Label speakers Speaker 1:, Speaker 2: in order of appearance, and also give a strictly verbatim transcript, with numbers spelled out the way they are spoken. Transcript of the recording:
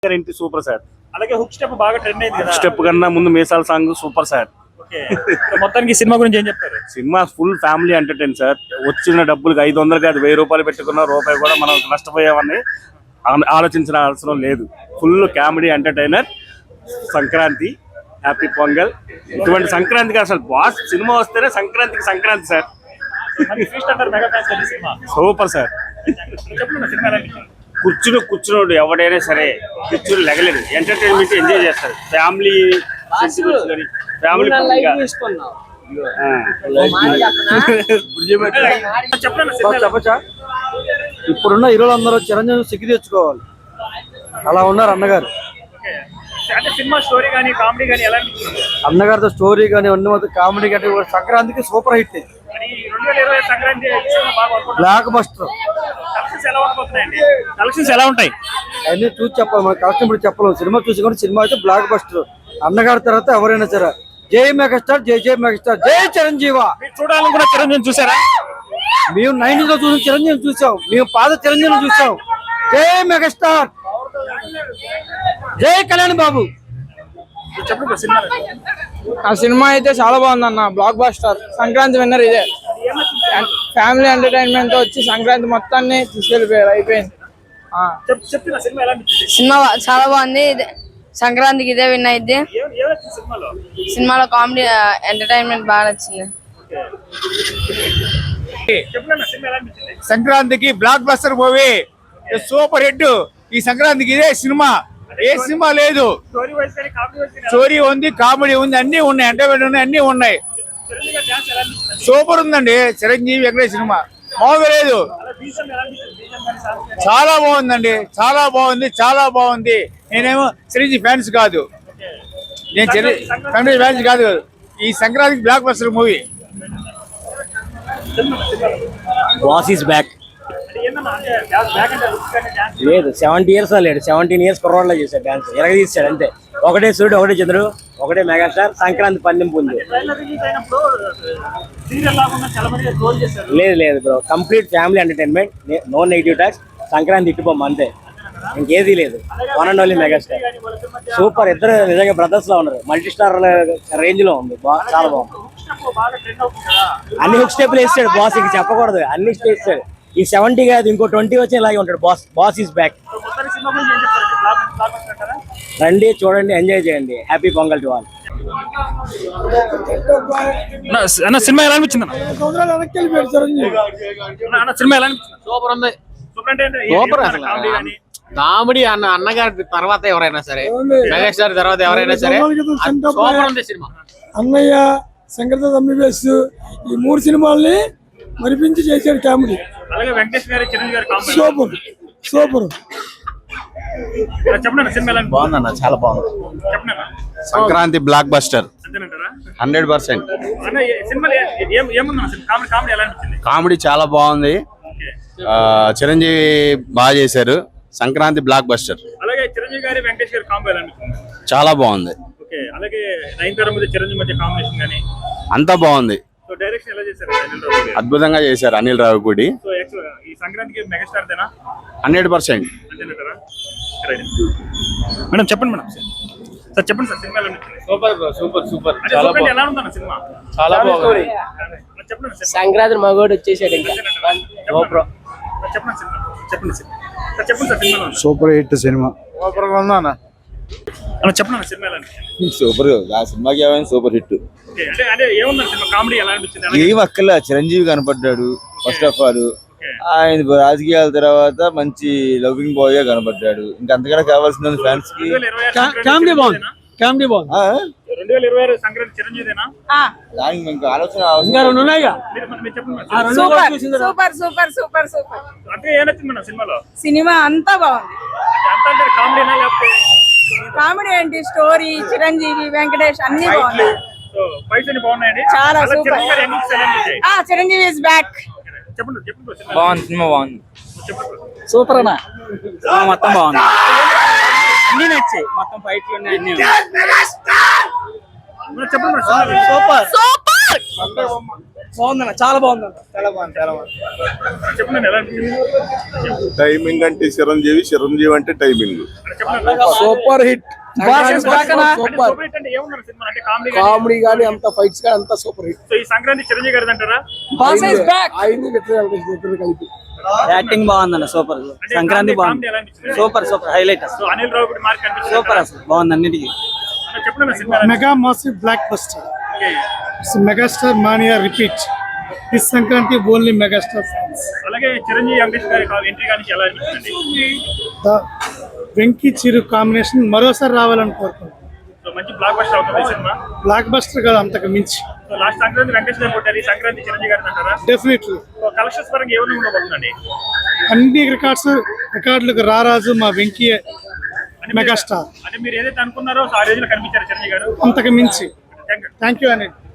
Speaker 1: ఇంటి super sir.
Speaker 2: అలాగే hook step బాగా ట్రెండ్ అయింది కదా.
Speaker 1: స్టెప్ కన్నా ముందు మీసాల సాంగ్ సూపర్ సార్.
Speaker 2: ఓకే, మొత్తానికి సినిమా గురించి ఏం చెప్తారు?
Speaker 1: సినిమా ఫుల్ ఫ్యామిలీ ఎంటర్టైన్ సార్. వచ్చిన డబ్బులకి ఐదు వందలు కాదు వెయ్యి రూపాయలు పెట్టుకున్న రూపాయి కూడా మనం నష్టపోయామని ఆలోచించిన అవసరం లేదు. Full comedy entertainer. Sankranti, happy Pongal. ఇటువంటి సంక్రాంతికి అసలు బాస్ సినిమా వస్తేనే సంక్రాంతికి సంక్రాంతి సార్. Super sir. కూర్చుని కూర్చున్నాడు ఎవడైనా సరే కూర్చుని లెగలేదు. ఎంటర్టైన్మెంట్ ఎంజాయ్ చేస్తారు. ఫ్యామిలీ ఫ్యామిలీ
Speaker 3: చెప్పచ్చా? ఇప్పుడున్న హీరోలు అందరూ చిరంజీవి సిగ్గు తెచ్చుకోవాలి, అలా ఉన్నారు అన్నగారు. అన్నగారితో స్టోరీ కానీ అన్ని కామెడీ కానీ సంక్రాంతికి super hit. Blockbuster.
Speaker 2: Collections ఎలా ఉంటాయి
Speaker 3: అన్ని చూసి చెప్పాలి, మన కలెక్షన్ ఇప్పుడు చెప్పలేము. సినిమా చూసి కూడా సినిమా అయితే బ్లాక్ బస్టర్. అన్నగారి తర్వాత ఎవరైనా సరే జై మెగాస్టార్, జై జై మెగాస్టార్, జై చిరంజీవ.
Speaker 2: చూడాలని కూడా చిరంజీవి చూసారా?
Speaker 3: మేము నైన్టీస్ లో చూసిన చిరంజీవి చూసాం, మేము పాత చిరంజీవి చూసాం. జై మెగాస్టార్, జై కళ్యాణ్ బాబు.
Speaker 4: ఆ సినిమా అయితే చాలా బాగుంది అన్న, బ్లాక్ బస్టర్. సంక్రాంతి విన్నర్ ఇదే. ఫ్యామిలీ ఎంటర్టైన్మెంట్ తో వచ్చి సంక్రాంతి మొత్తాన్ని తీసుకెళ్ళిపోయారు, అయిపోయింది.
Speaker 5: సినిమా చాలా బాగుంది. సంక్రాంతికి ఇదే విన్ అయింది. సినిమాలో కామెడీ ఎంటర్టైన్మెంట్ బాగా నచ్చింది.
Speaker 6: సంక్రాంతికి blockbuster movie, super hit. ఈ సంక్రాంతికి ఇదే సినిమా, ఏ సినిమా లేదు. స్టోరీ ఉంది, కామెడీ ఉంది, అన్ని ఉన్నాయి, ఎంటర్టైన్మెంట్ ఉన్నాయి, అన్ని ఉన్నాయి. సూపర్ ఉందండి చిరంజీవి వెంకటేష్ సినిమా, మామూలుగా లేదు. చాలా బాగుందండి, చాలా బాగుంది, చాలా బాగుంది. నేనేమో చిరంజీవి ఫ్యాన్స్ కాదు, నేను చిరంజీవి ఫ్యాన్స్ కాదు. ఈ సంక్రాంతికి blockbuster movie.
Speaker 7: Boss is back. లేదు సెవెంటీ ఇయర్స్ లేడు, సెవెంటీన్ ఇయర్స్ కుర్రోడ్లో చేశాడు డాన్స్. ఎరగ తీసాడు అంతే. ఒకటే సూర్యుడు, ఒకటే చంద్రుడు, ఒకటే మెగాస్టార్. సంక్రాంతి పందెం ఉంది. లేదు లేదు bro, complete family entertainment, no negative talks. Sankranti ఇట్టుపోమ్మ అంతే, ఇంకేదీ లేదు. One and only megastar. Super. ఇద్దరు నిజంగా బ్రదర్స్ లో ఉన్నారు. మల్టీ స్టార్ రేంజ్ లో ఉంది, చాలా బాగుంది. అన్ని హుక్ స్టెప్లు వేస్తాడు బాస్, ఇంక చెప్పకూడదు, అన్ని వేస్తాడు. ఈ సెవెంటీ కాదు, ఇంకో ట్వంటీ వచ్చి ఇలాగే ఉంటాడు బాస్. Boss is back. రండి, చూడండి, ఎంజాయ్ చేయండి. Happy Pongal to all.
Speaker 2: సినిమా ఎలా అనిపించింది? సినిమా ఎలా అనిపించింది?
Speaker 8: సూపర్ ఉంది, సూపర్. అసలు కామెడీ అన్న అన్నగారి తర్వాత ఎవరైనా సరే, మెగాస్టార్ తర్వాత ఎవరైనా సరే సూపర్ ఉంది సినిమా.
Speaker 3: అన్నయ్య, సంక్రాంతి ఎంబీబీఎస్, ఈ మూడు సినిమాల్ని మరిపించి చేశాడు కామెడీ.
Speaker 2: అలాగే వెంకటేష్ గారి, చిరంజీవి గారి కామెడీ
Speaker 3: సూపర్ సూపర్.
Speaker 2: చెప్పండి సినిమా ఎలా
Speaker 6: బాగుందన్న, చాలా బాగుంది.
Speaker 2: చెప్పండి.
Speaker 6: Sankranti blockbuster hundred percent. Comedy చాలా బాగుంది. చిరంజీవి బాగా చేశారు. Sankranti blockbuster.
Speaker 2: అలాగే చిరంజీవి గారి, వెంకటేష్ గారి కాంబో ఎలా అనిపించింది?
Speaker 6: చాలా బాగుంది.
Speaker 2: ఓకే, అలాగే నైన్తారా మధ్య చిరంజీవి మధ్య కాంబినేషన్ గానీ
Speaker 6: అంతా బాగుంది.
Speaker 2: సో డైరెక్షన్ ఎలా చేశారు?
Speaker 6: అద్భుతంగా చేశారు అనిల్ రావిపూడి.
Speaker 2: సో యాక్చువల్గా ఈ సంక్రాంతికి మెగాస్టార్ దేనా?
Speaker 6: Hundred percent.
Speaker 2: అంతేనంటారా? మేడం చెప్పండి మేడం. సార్ చెప్పండి సార్, సినిమా ఎలా అనిపించింది?
Speaker 8: Super bro, super super.
Speaker 2: చాలా బాగుంది. ఎలా ఉందన్న సినిమా?
Speaker 8: చాలా బాగుంది.
Speaker 2: చెప్పండి సార్.
Speaker 4: సంక్రాంతి మగోడు వచ్చేసాడు ఇంకా.
Speaker 2: చెప్పండి సినిమా, చెప్పండి సార్. చెప్పండి సార్, సినిమా
Speaker 3: సూపర్ హిట్ సినిమా.
Speaker 6: సూపర్ గా ఉందా అన్న?
Speaker 2: చెప్పండి సినిమా ఎలా అనిపించింది?
Speaker 6: సూపర్. ఆ సినిమాకి ఏమైనా సూపర్ హిట్.
Speaker 2: అంటే అంటే ఏముంది సినిమా? కామెడీ ఎలా అనిపించింది?
Speaker 6: ఏం అక్కల చిరంజీవి కనపడ్డాడు ఫస్ట్ ఆఫ్ ఆల్. ఆయన రాజకీయాల తర్వాత మంచి లవింగ్ బాయ్ గా కనపడ్డాడు. ఇంకా అంతకన్నా కావాల్సిన ఫ్యాన్స్ కి
Speaker 3: కామెడీ బాగుంది, కామెడీ బాగుంది.
Speaker 2: రెండు వేల ఇరవై ఆరు సంక్రాంతి చిరంజీవిదేనా?
Speaker 6: దానికి ఇంకా ఆలోచన
Speaker 5: సూపర్ సూపర్ సూపర్ సూపర్.
Speaker 2: అంటే ఏం నచ్చింది మేడం సినిమాలో?
Speaker 5: సినిమా అంతా బాగుంది.
Speaker 2: అంతా అంటే కామెడీనా లేకపోతే?
Speaker 5: కామెడీ ఏంటి, స్టోరీ, చిరంజీవి, వెంకటేష్ అన్ని బాగున్నాయి.
Speaker 2: సో ఫైట్స్ అన్ని బాగున్నాయండి.
Speaker 5: చాలా సూపర్.
Speaker 2: చిరంజీవి గారి ఎంట్రీస్ ఎలా అనిపించాయి?
Speaker 5: ఆ చిరంజీవి ఇస్ బ్యాక్.
Speaker 2: చెప్పండి చెప్పండి.
Speaker 4: బాగుంది, సినిమా బాగుంది.
Speaker 3: సూపర్ అన్న,
Speaker 4: మొత్తం బాగుంది, అన్ని నచ్చాయి. మొత్తం ఫైట్లు ఉన్నాయి, అన్ని.
Speaker 2: చెప్పండి.
Speaker 5: Super super.
Speaker 4: బాగుందన్న చాలా బాగుందన్న చాలా బాగుంది చాలా బాగుంది
Speaker 2: చెప్పండి ఎలా అనిపించింది?
Speaker 9: టైమింగ్ అంటే చిరంజీవి చిరంజీవి అంటే టైమింగ్
Speaker 2: చెప్పండి
Speaker 4: సూపర్ హిట్
Speaker 2: సూపర్ హిట్ అంటే ఏమున్నారు సినిమా అంటే కామెడీ
Speaker 4: కామెడీ గానీ అంత ఫైట్స్ గానీ అంత సూపర్ హిట్
Speaker 2: సో ఈ సంక్రాంతి చిరంజీవి గారిది అంటారా?
Speaker 4: కలిపి
Speaker 3: యాక్టింగ్ బాగుందన్న సూపర్
Speaker 2: అంటే సంక్రాంతి బాగుంది ఎలా అనిపించింది?
Speaker 3: Super super highlight
Speaker 2: so Anil Ravipudi mark అనిపించింది
Speaker 3: సూపర్ అసలు బాగుంది అన్నిటికీ
Speaker 2: చెప్పండి సినిమా
Speaker 10: mega massive blockbuster megastar mania repeat this Sankranti only megastar fans
Speaker 2: అలాగే చిరంజీవి వెంకటేష్ గారి ఎంట్రీ కానీ ఎలా అనిపించింది?
Speaker 10: వెంకీ చిరు కాంబినేషన్ మరోసారి రావాలని కోరుకుంటున్నాను.
Speaker 2: సో మంచి బ్లాక్ బస్టర్ అవుతుంది ఈ సినిమా.
Speaker 10: బ్లాక్ బస్టర్ కాదు అంతకు మించి
Speaker 2: సో లాస్ట్ సంక్రాంతి వెంకటేష్ గారు కొట్టారు, ఈ సంక్రాంతి చిరంజీవి గారిది అంటారా?
Speaker 10: డెఫినెట్లీ
Speaker 2: సో కలెక్షన్స్ పరంగా ఏమైనా ఉండబోతుందండి?
Speaker 10: అన్ని రికార్డ్స్ రికార్డులకు రారాజు మా వెంకీ మెగాస్టార్
Speaker 2: అంటే మీరు ఏదైతే అనుకున్నారో ఆ రేంజ్ లో కనిపించారు చిరంజీవి గారు.
Speaker 10: అంతకు మించి
Speaker 2: థ్యాంక్ యూ.
Speaker 10: థ్యాంక్ యూ అనేది